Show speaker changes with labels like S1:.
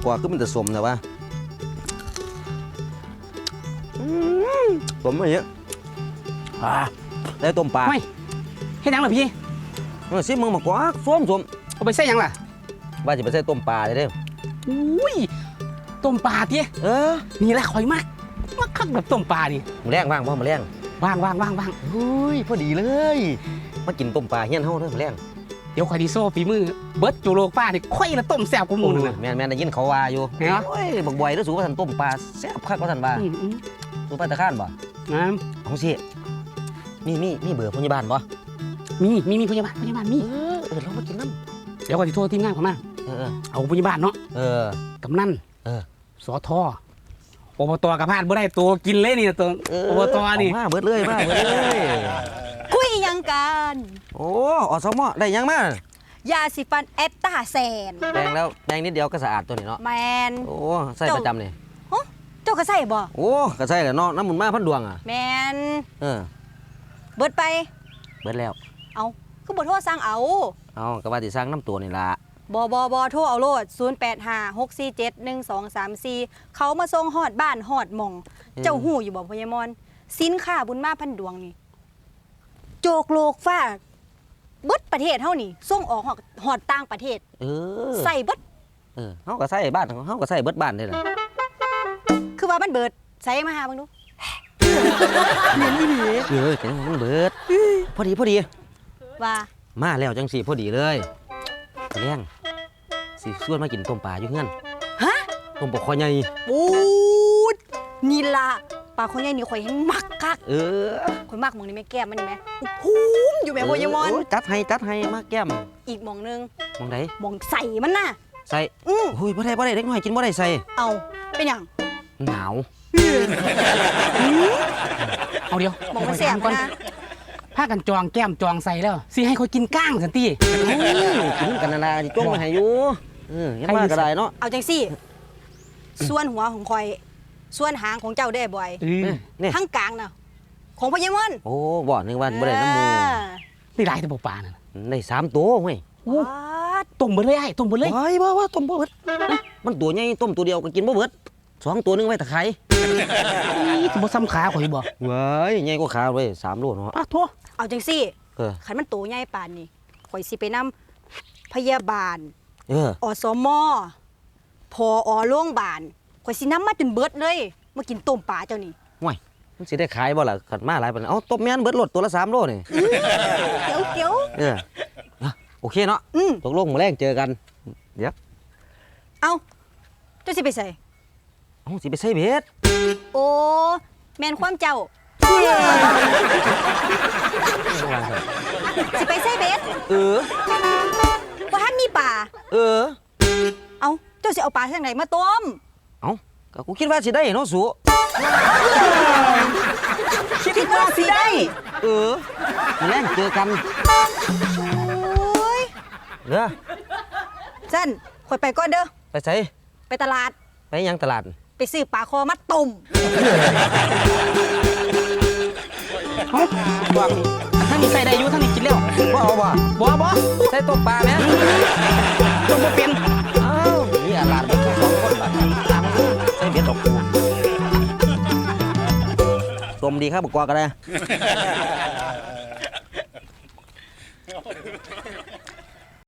S1: กว่าก็มันจะสมแต่ว่าสมอะไรเยอะได้ต้มปลา
S2: ไม่ให้ยังล่ะพี่
S1: ซิมึงมากกว่าสม
S2: เอาไปใส่ยังล่ะ
S1: ว่าจะไปใส่ต้มปลาเลยเด้อ
S2: อุ้ยต้มปลาเตี้ยนี่แหละข่อยมากคักแบบต้มปลานี่
S1: มึงแรงว่างป่ะมึงแรง
S2: ว่าง
S1: เฮ้ยพอดีเลยมากินต้มปลาเฮี้ยนเฮาเด้อมึงแรง
S2: เดี๋ยวข่อยดีโซ่ฝีมือเบิร์ดจูโรป้านี่ค่อยละต้มแซ่บกูมูนึง
S1: แม่นได้ยินเขาว่าอยู่โอ้ยบักบ่อยแล้วสูว่าท่านต้มปลาแซ่บคักว่าท่านว่าสูปลาตะข้านบ่ของสิมีเบอร์พยาบาลบ่
S2: มีพยาบาลมี
S1: เรามากินน้
S2: ำเดี๋ยวข่อยจะโทรทีมงานเขามาเอาพยาบาลเนาะกำนันสทอบตกับพาดบ่ได้ตัวกินเลยนี่ตัวอบตนี่
S1: มาเบิดเลย
S3: คุยยังกัน
S1: โอ้อสมได้ยังม
S3: ายาสีฟันเอตตาแซน
S1: แดงแล้วแดงนิดเดียวก็สะอาดตัวนี้เนาะ
S3: แมน
S1: โอ้ใส่ประจำนี่
S3: เจ้าก็ใส่บ่
S1: โอ้ก็ใส่แหละเนาะน้ำมันมาพันดวงอ่ะ
S3: แมนเบิด
S1: แล้ว
S3: เอาคือบ่โทรสั่งเอา
S1: ก็ว่าสิสร้างน้ำตัวนี่ล่ะ
S3: บ่โทรเอาโลด0856471234เขามาส่งฮอดบ้านฮอดหม่องเจ้าหู้อยู่บ่พญามอนสินค้าบุญมาพันดวงนี่โจกโลกฟ้าเบิดประเทศเฮานี่ส่งออกฮอดต่างประเทศใส่เบิด
S1: เฮาก็ใส่บ้านเฮาก็ใส่เบิดบ้านนี่แหละ
S3: คือว่ามันเบิดใส่มาหาเบิ่งดู
S1: เหมือนอีหลีจังมันเบิดพอดี
S3: ว่า
S1: มาแล้วจังสิพอดีเลยเลี้ยงสิชวนมากินต้มปลาอยู่เฮือน
S3: ฮะ
S1: ต้มปลาคอใหญ่
S3: ปูดนี่ล่ะปลาคอใหญ่นี่ข่อยเห็นมักคักข่อยมักหม่องนี่แม่แก้มมันนี่แม่ภูมิอยู่แม่โพยมอน
S1: จัดให้มาแก้ม
S3: อีกหม่องนึง
S1: หม่องใด
S3: หม่องใส่มันน่ะ
S1: ใส่โอ้ยบ่ได้เด็กน้อยกินบ่ได้ใส่
S3: เอาเป็นหยัง
S1: หนาว
S2: เอาเดียว
S3: หม่องมันแซ่บนะ
S2: พากันจองแก้มจองใส่แล้วสิให้เขากินก้างสันติ
S1: กินกันนานาจ้องมาให้อยู่ยังมากก็ได้เนาะ
S3: เอาจังสิส่วนหัวของข่อยส่วนหางของเจ้าได้บ่อยทั้งกลางน่ะของพญามอน
S1: โอ้บ่นึงวันบ่ได้น้ำมู
S2: นี่หลายแต่ปลาน่ะ
S1: ได้3ตัวเว้ย
S2: ต้มเบิดเลยไอ้ต้มเบิดเลย
S1: ว่าต้มบ่เบิดมันตัวใหญ่ต้มตัวเดียวก็กินบ่เบิด2ตัวนึงไว้ตะไคร้
S2: บ่ซ้ำขาข่อยบ่
S1: เว้ยใหญ่กว่าขาเว้ย3โลเนาะ
S2: โธ่
S3: เอาจังสิคันมันโตใหญ่ปานนี้ข่อยสิไปนำพยาบาลอสมพอโรงพยาบาลข่อยสินำมาจนเบิดเลยมากินต้มปลาเจ้านี่
S1: ห่วยมันสิได้ขายบ่ล่ะขันมาหลายปานต้มแม่นเบิดรถตัวละ3โลนี่
S3: เดี๋ยว
S1: โอเคเนาะตกลงมื้อแรงเจอกันเดี๋ยว
S3: เอาเจ้าสิไปใส่
S1: สิไปใส่เบ็ด
S3: โอ้แม่นความเจ้าสิไปใส่เบ็ดว่าท่านมีป่าเอาเจ้าสิเอาปลาทางไหนมาต้ม
S1: ก็กูคิดว่าสิได้เนาะสู
S3: คิดว่าสิได้
S1: แล่นเจอกัน
S3: สั้นข่อยไปก่อนเด้อ
S1: ไปใส่
S3: ไปตลาด
S1: ไปยังตลาด
S3: ไปซื้อปลาคอมาต้ม
S2: บอกท่านนี่ใส่ได้อยู่ท่านนี่กินแล้ว
S1: บ่เอาบ่ใส่ต้มปลาไหม
S2: ต้มบ่เป็น
S1: นี่อาลาดแค่2คนบาทใส่เบ็ดดอกต้มดีครับบอกกว่าก็ได้